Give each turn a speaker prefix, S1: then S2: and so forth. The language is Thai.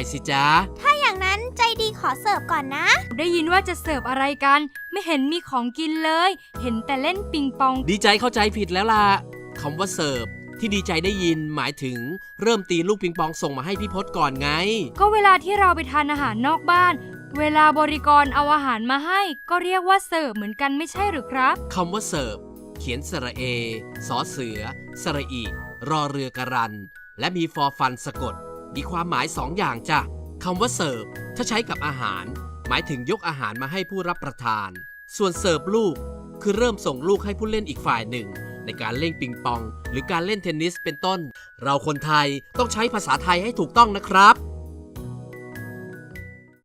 S1: สิจ๊ะ
S2: ถ้าอย่างนั้นใจดีขอเสิร์ฟก่อนนะ
S3: ได้ยินว่าจะเสิร์ฟอะไรกันไม่เห็นมีของกินเลยเห็นแต่เล่นปิงปอง
S1: ดีใจเข้าใจผิดแล้วล่ะคำว่าเสิร์ฟที่ดีใจได้ยินหมายถึงเริ่มตีลูกปิงปองส่งมาให้พี่พศก่อนไง
S3: ก็เวลาที่เราไปทานอาหารนอกบ้านเวลาบริกรเอาอาหารมาให้ก็เรียกว่าเสิร์ฟเหมือนกันไม่ใช่หรือครับ
S1: คำว่าเสิร์ฟเขียนสระเอสอเสือสระอีรอเรือกะรันและมีฟอฟันสะกดมีความหมาย2 อย่างจ้ะคำว่าเสิร์ฟถ้าใช้กับอาหารหมายถึงยกอาหารมาให้ผู้รับประทานส่วนเสิร์ฟลูกคือเริ่มส่งลูกให้ผู้เล่นอีกฝ่ายหนึ่งในการเล่นปิงปองหรือการเล่นเทนนิสเป็นต้นเราคนไทยต้องใช้ภาษาไทยให้ถูกต้องนะครับ